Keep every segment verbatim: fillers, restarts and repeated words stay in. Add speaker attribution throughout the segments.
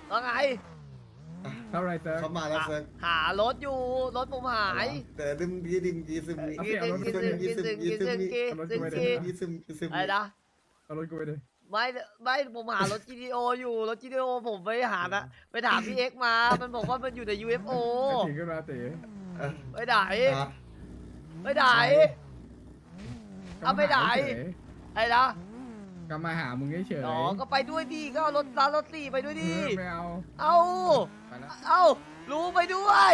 Speaker 1: ว่าไง
Speaker 2: เท่าไรเซิร์ฟ
Speaker 3: เขามาแล้วเซิร์ฟ
Speaker 1: หารถอยู่รถผมหาย
Speaker 3: แต่ดึงดีดึงดีซึม
Speaker 2: เอา
Speaker 1: กิ
Speaker 2: สิ
Speaker 1: น
Speaker 2: เอารถ
Speaker 1: กิน
Speaker 2: ไป
Speaker 1: กิน
Speaker 2: เลย
Speaker 1: กินกินกินกิน
Speaker 2: เอารถ
Speaker 1: กิ
Speaker 2: ไป
Speaker 1: น
Speaker 2: เลย
Speaker 1: กิน
Speaker 3: ดีซึมดีซึม
Speaker 1: อะไรนะ
Speaker 2: เอารถกูไปเลย
Speaker 1: ไม่ไม่ผมหารถ จี ที โอ อยู่รถ จี ที โอ ผมไปหานะไปถามพี่เอ็กซ์มา มันบอกว่ามันอยู่ใน ยู เอฟ โอ
Speaker 2: ถึงขึ้นมาเต๋
Speaker 1: ไปไหนไปไหนเอาไปไหนไอ้นะ
Speaker 2: ก็มาหามึงเฉย
Speaker 1: อ๋อก็ไปด้วยดิก็เอารถร้านรถสี่ไปด้วยดิ
Speaker 2: ไม่เอา
Speaker 1: เอา
Speaker 2: ไปแล้ว
Speaker 1: เอารู้ไปด้วย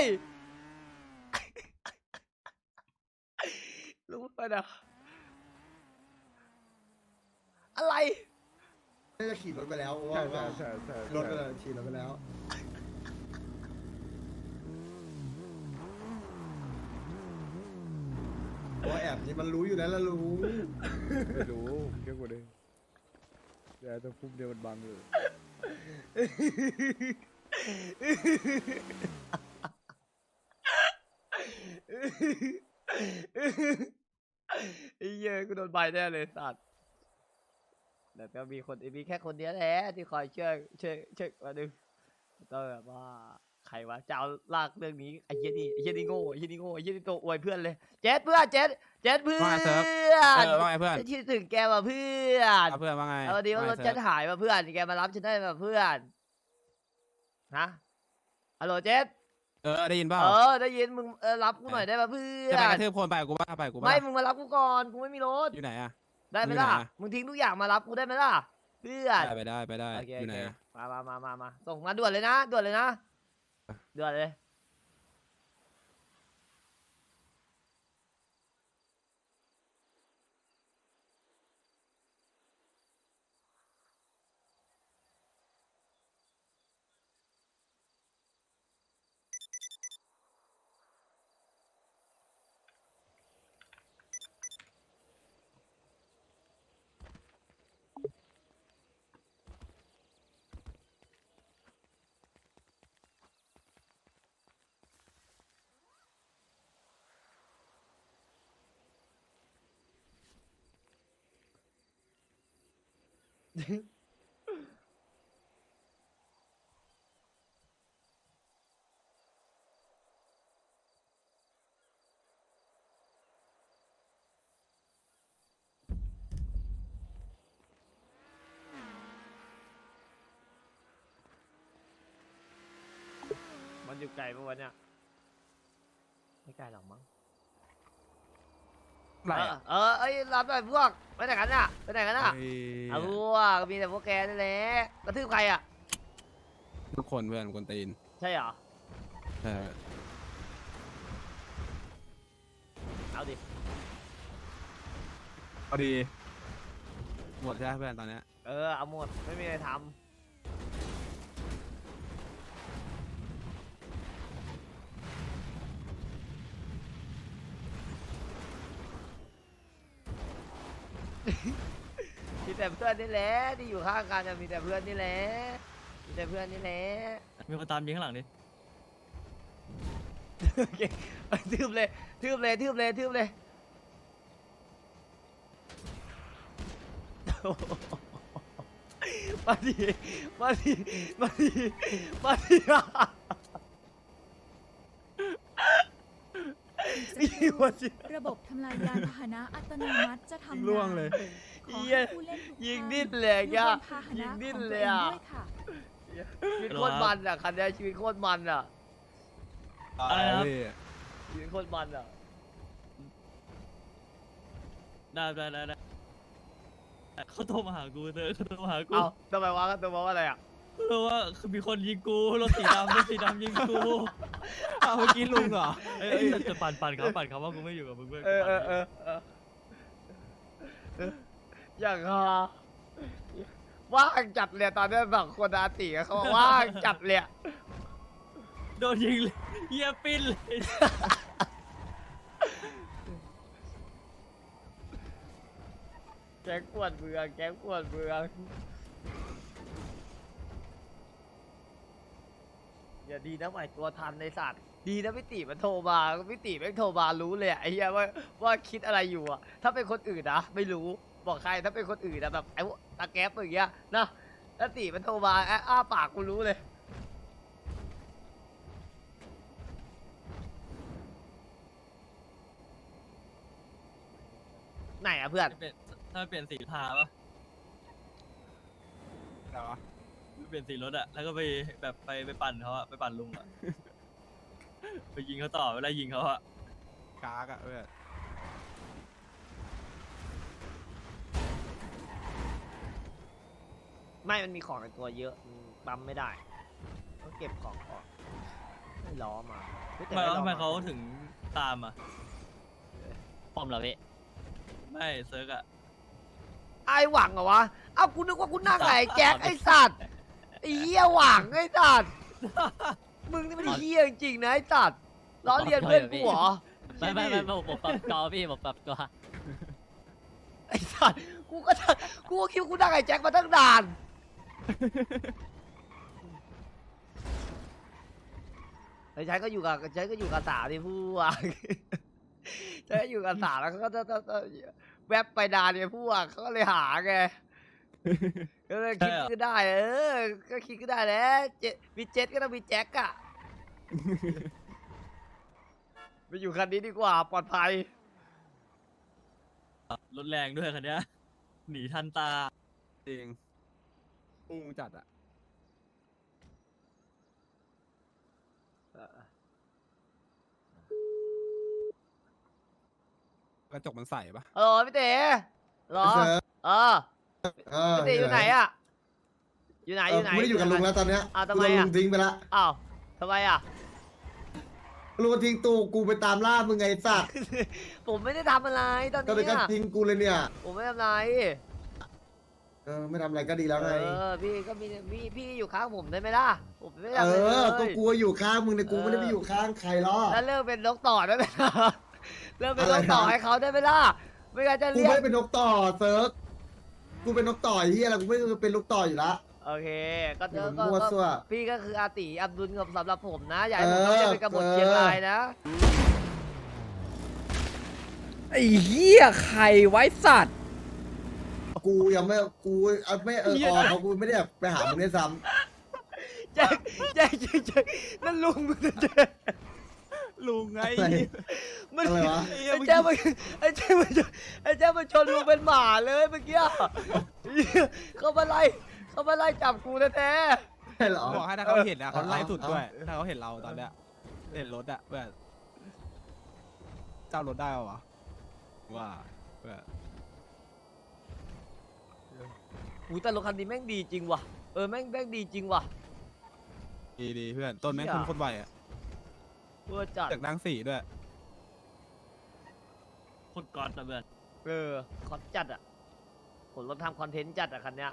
Speaker 1: รู้ไปนะอะไร
Speaker 3: น่าจะขี่รถไปแล้ว
Speaker 2: ใช่
Speaker 3: ว่า
Speaker 2: ใช่
Speaker 3: ว่า
Speaker 2: ใช่ใช่
Speaker 3: รถไปแล้วขี่รถไปแล้วว่าแอบนี่มันรู้อยู่แล้วละรู้
Speaker 2: ไม่รู้เกี่ยวกับเลยเดี๋ยวจะพุ่มเดียวมันบังอยู่
Speaker 1: ไอ้เหี้ยกูโดนใบแน่เลยสัตว์แต่ก็มีคนมีแค่คนเดียวแหละที่คอยช่วยช่วยช่วยมาดึงก็แบบว่าใครวะจะเอาลากเรื่องนี้ไอ้เหี้ยนี่ไอ้เหี้ยนี่โง่ไอ้เหี้ยนี่โง่ไอ้เหี้ยนี่ตัวอวยเพื่อนเลยเจ็ดเพื่อนเจ็ดเจ็ดเพื่อน
Speaker 4: ว่าไงเซิร์ฟ เออว่าไงเพื่อน
Speaker 1: คิดถึงแกว่ะเพื่อน
Speaker 4: เอาเพื่อนว่าไง
Speaker 1: เอาดีว่ารถ
Speaker 4: ไง
Speaker 1: ฉัน
Speaker 4: เซิร์ฟ
Speaker 1: หายมาเพื่อนแกมารับฉันได้มาเพื่อนนะฮัลโหลเจ็ด
Speaker 4: เออได้ยินเปล่า
Speaker 1: เออได้ยินมึงเออรับกูหน่อยได้ป่ะเพื่อ
Speaker 4: จะไปก
Speaker 1: น
Speaker 4: ระทืบคนไปกับกูบ้าไปกับกูบ้า
Speaker 1: ไม่มึงมารับกูก่อนกูไม่มีรถ
Speaker 4: อยู่ไหนอะ
Speaker 1: ได้ไหม
Speaker 4: มึงอยู่
Speaker 1: ล่ะ
Speaker 4: ไหนอะ
Speaker 1: มึงทิ้งทุกอย่างมารับกูได้ไหมล่ะเพื่อน
Speaker 4: ได้ไปได้ไปได้
Speaker 1: โอเค
Speaker 4: อ
Speaker 1: โอยู่
Speaker 4: ไหน
Speaker 1: เค
Speaker 4: อะ
Speaker 1: มามามามามาส่งมาด่วนเลยนะด่วนเลยนะด่วนเลย มันอยู่ไกลปะวะเนี่ยไม่ไกลหรอกมั้ง
Speaker 4: ไหน
Speaker 1: เออ
Speaker 4: อะ
Speaker 1: เออเอ้ยรับหน่อยพวกไปไหนกันน่ะไปไหนกันน่ะ
Speaker 4: เฮ้ย
Speaker 1: เอาพวกมีแต่พวกแกนี่แหละกระทืบใครอ่ะ
Speaker 4: ทุกคนเพื่อนคนตีน
Speaker 1: ใช่เหรอ
Speaker 4: เออ
Speaker 1: เอาดิ
Speaker 4: เอาดีหมดใช่ไหมเพื่อนตอนเนี้ย
Speaker 1: เออเอาหมดไม่มีอะไรทำ มีแต่เพื่อนนี่แหละที่อยู่ข้างกันจะมีแต่เพื่อนนี่แหละมีแต่เพื่อนนี่แหละ
Speaker 5: มีคนตามยิงข้างหลังดิ
Speaker 1: โอเคทืบเลยทืบเลยทืบเลยทืบเลยมาดิมาดิมาดิมาดิมาดิ
Speaker 6: ระบบทำลายยานพาหนะอัตโนมัติจะทำงาน
Speaker 4: ล่วงเลย
Speaker 6: ขอ
Speaker 1: เหี้ย
Speaker 6: ให้ผู้เล่นทุก
Speaker 1: ยิง
Speaker 6: ท่า
Speaker 1: ดิ้นเลย
Speaker 6: อยู่
Speaker 1: อะ
Speaker 6: บนพาห
Speaker 1: ยิ
Speaker 6: นะ
Speaker 1: งดิ้น
Speaker 6: ของ
Speaker 1: เล
Speaker 6: ตัวย เอง
Speaker 1: อะ
Speaker 6: ด้วยค่ะ
Speaker 1: ชีวิตโคตรมันอ่ะคันนี้ชีวิตโคตรมันอ่ะ
Speaker 5: อะไรนะ
Speaker 4: เฮ้ย
Speaker 1: ชีวิตโคตรมันอ่ะ
Speaker 5: ได้ได้ได้ได้เขาโทรมาหากูเธอเขาโทรมาหากู
Speaker 1: เอ้าทำไมวะทำไมวะอะไรอ่ะ
Speaker 5: เพราะว่าคือมีคนยิงกูรถสีดำรถสีดำยิงกู
Speaker 4: เอาเมื่อกี้ลุงเหรอ
Speaker 5: เอ้ยเอ้ยจะปั่นปั่นเขาปั่นเขาว่ากูไม่อยู่กับมึงเว้ย
Speaker 1: เออเออเออเออเอออย่างฮาว่างจัดเลยตอนนี้แบบคนอาติอะเขาบอกว่างจัดเลยอะ
Speaker 5: โดนยิงเลยเฮียปิ้นเลย
Speaker 1: แก๊งปวดเมืองแก๊งปวดเมืองอย่าดีนะไหวตัวทันในสัตว์ดีนะพี่ติมันโทรมาพี่ติแม่งโทรมารู้เลยอะไอ้เหี้ยว่าว่าคิดอะไรอยู่อะถ้าเป็นคนอื่นนะไม่รู้บอกใครถ้าเป็นคนอื่นนะแบบไอ้พวกตาแก๊ปอย่างเงี้ยนะถ้าติมันโทรมาแอะอ้าปากกูรู้เลยไหนอะเพื่อน
Speaker 5: เปลี่ยนถ้าเปลี่ยนสีทาปะ
Speaker 4: แต่ว่า
Speaker 5: เปลี่ยนสีรถอะแล้วก็ไปแบบไปไปปั่นเขาอะไปปั่นลุงอะไปยิงเขาต่อเวลายิงเขาอะ
Speaker 4: กากอะเพื่อน
Speaker 1: ไม่มันมีของในตัวเยอะมันปั๊มไม่ได้ต้องเก็บของก่อนไม่ล้อมาเฮ้ยแต่
Speaker 5: ทำไม
Speaker 1: ด้ล้อ
Speaker 5: ทำไม
Speaker 1: มา
Speaker 5: เขาถึงตามอะ
Speaker 7: ปอมเหรอพี่
Speaker 5: ไม่เซิร์กอะ
Speaker 1: ไอหวังเหรอวะเอ้ากูนึกว่ากูนั่งไงแจ็คไอสัตว์ไอเหี้ยหวังไอสัตว์มึงนี่มันเหี้ยจริงๆนะไอสัตว์ล้อเลียนเพื่อนกูเหรอ
Speaker 7: ไม่ไม่ไม่ผมผมปรับจอพี่ผมปรับจอ
Speaker 1: ไอสัตว์กูก็จะกูก็คิดว่ากูนั่งไอแจ็คมาตั้งนานไอแจ็คก็อยู่กับแจ็คก็อยู่กับสาวที่พูดว่าแจ็คก็อยู่กับสาวแล้วเขาก็จะแวบไปนานเนี่ยพวกเขาก็เลยหาไง ก็เลยคิดก็ได้ เออ ก็คิดก็ได้แหล้วเจมีเจ็ตก็ต้องมีแจ็คอะ ไปอยู่คันนี้ดีกว่าปลอดภัย
Speaker 5: รถแรงด้วยคันเนี้ยหนีทันตา
Speaker 4: จริงอุ้งจัดอะกระจกมันใสปะ
Speaker 1: เออพี่เต๋เหรอ
Speaker 3: เซิร์ฟ
Speaker 1: เออ
Speaker 3: เออ
Speaker 1: พี่เต๋อยู่ไหนอะอยู่ไหน
Speaker 3: เอ
Speaker 1: อ
Speaker 3: อยู่
Speaker 1: ไหน
Speaker 3: กูไม่ได้อยู่กับลุงแล้วตอนเนี้ย
Speaker 1: อ้าวทำ
Speaker 3: กู
Speaker 1: ไม
Speaker 3: โดน
Speaker 1: อะ
Speaker 3: ลุงทิ้งไปละ
Speaker 1: อ้าวทำไมอะ
Speaker 3: ลุงทิ้งตูกูไปตามล่ามึงไงสัตว์
Speaker 1: ผมไม่ได้ทำอะไรตอน
Speaker 3: ก็เลย
Speaker 1: นี้
Speaker 3: ก็
Speaker 1: อะ
Speaker 3: ทิ้งกูเลยเนี่ย
Speaker 1: ผมไม่ทำอะไร
Speaker 3: เออไม่ทำอะไรก็ดีแล้วไง
Speaker 1: เออ พี่ก็มีพี่พี่อยู่ข้างผมได้ไหมล่ะ ผมไม่ได้
Speaker 3: เอ
Speaker 1: ทำอะไรเล
Speaker 3: อ ก็
Speaker 1: ย
Speaker 3: กูอยู่ข้างมึงเนี่ยกูไม่ได้ไปอยู่ข้างใครหรอก
Speaker 1: แล้วเลิกเป็นนกต่อได้ไหมล่ะเลิกเป็นนกต่อ
Speaker 3: อะไรนะ
Speaker 1: ให้เขาได้ไหมล่ะ ไม่งั้นจะ
Speaker 3: กู
Speaker 1: เรีย
Speaker 3: ไม่
Speaker 1: ก
Speaker 3: ได้เป็นนกต่อเซิร์ฟกูเป็นนกต่อไอ้เฮียอะไรกูไม่ได้เป็นนกต่ออยู่ละ
Speaker 1: โอเค ก็
Speaker 3: เดี๋ยว
Speaker 1: ก็
Speaker 3: มั่ว
Speaker 1: ก็
Speaker 3: ซั่ว
Speaker 1: พี่ก็คืออาติอับดุลกับสำหรับผมนะ อย่าให้ผม
Speaker 3: เอ
Speaker 1: ต้อง
Speaker 3: อ
Speaker 1: เรียกเป็นกบฏ
Speaker 3: เออ
Speaker 1: เชียงรายนะ
Speaker 2: ไอ้เหี้ยใครไว้สัตว์
Speaker 3: กูยังไม่กูเอาไม่เออออเขากูไม่ได้แบบไปหามึงด้วยซ้
Speaker 1: แจ็คแจ็คแจ็คแจ็คนั่นลุงมึงนะแจ็ค
Speaker 4: ลุงไง
Speaker 3: ำอะไร
Speaker 1: มัน
Speaker 3: อะไรวะ
Speaker 1: ไอ้แจ็คมันไอ้แจ็คมันไอ้แจ็คมันชนลุงเป็นหมาเลยเมื่อกี้เขามาไล่เขามาไล่จับกูแท้
Speaker 3: ใช่เหรอ
Speaker 4: บอกให้ถ้าเขาเห็นอะเขาไล่สุด
Speaker 3: เอา
Speaker 4: ด้วย ถ้าเขาเห็นเราตอนเนี้ยเห็นรถอะเพื่อนเจ้ารถได้ปะวะว่าเพื่อน
Speaker 1: ๆอุ้ยแต่รถคันนี้แม่งดีจริงว่ะ เออแม่งแม่งดีจริงว่ะ
Speaker 4: ดีดีเพื่อนต้นแม่ง
Speaker 1: เหี้
Speaker 4: คุ
Speaker 1: ย
Speaker 4: ณคนไหวอะ
Speaker 1: เพื่อจัด
Speaker 4: จากนั่งสี่ด้วย
Speaker 5: โคตรก๊อตนะเพื่อน
Speaker 1: เออคอนจัดอ่ะผมรถทำคอนเทนต์จัดอ่ะคันเนี้ย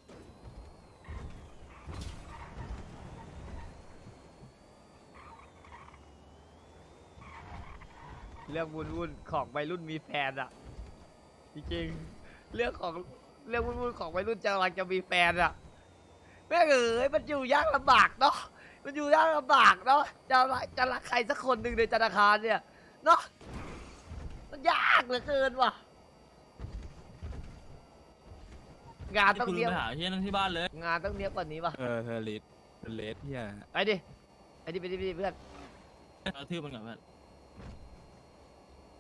Speaker 1: เรื่องวุ่นวุ่นๆของวัยรุ่นมีแฟนอ่ะ จริงๆเรื่องของเรื่องวุ่นวุ่นๆของวัยรุ่นจะกำลังจะมีแฟนอ่ะแม่งเอ๋ยมันอยู่ยากลำบากเนาะมันอยู่ยากลำบากเนาะจะรักจะรักใครสักคนหนึ่งในธนาคารเนี่ยเนาะมันยากเหลือเกินว่ะงาน
Speaker 5: ที่
Speaker 1: ต้อง
Speaker 5: คุณลุ
Speaker 1: เนี้ย
Speaker 5: งไปหาที่นั่นที่บ้านเลย
Speaker 1: งานต้องเนี้ยกว่านี้ป่ะ
Speaker 4: เออเธอเลสเลสเฮีย
Speaker 1: ไปดิไปดิไปดิไปดิเพื่อน
Speaker 5: เอาทื่อมันก่อนเพื่อน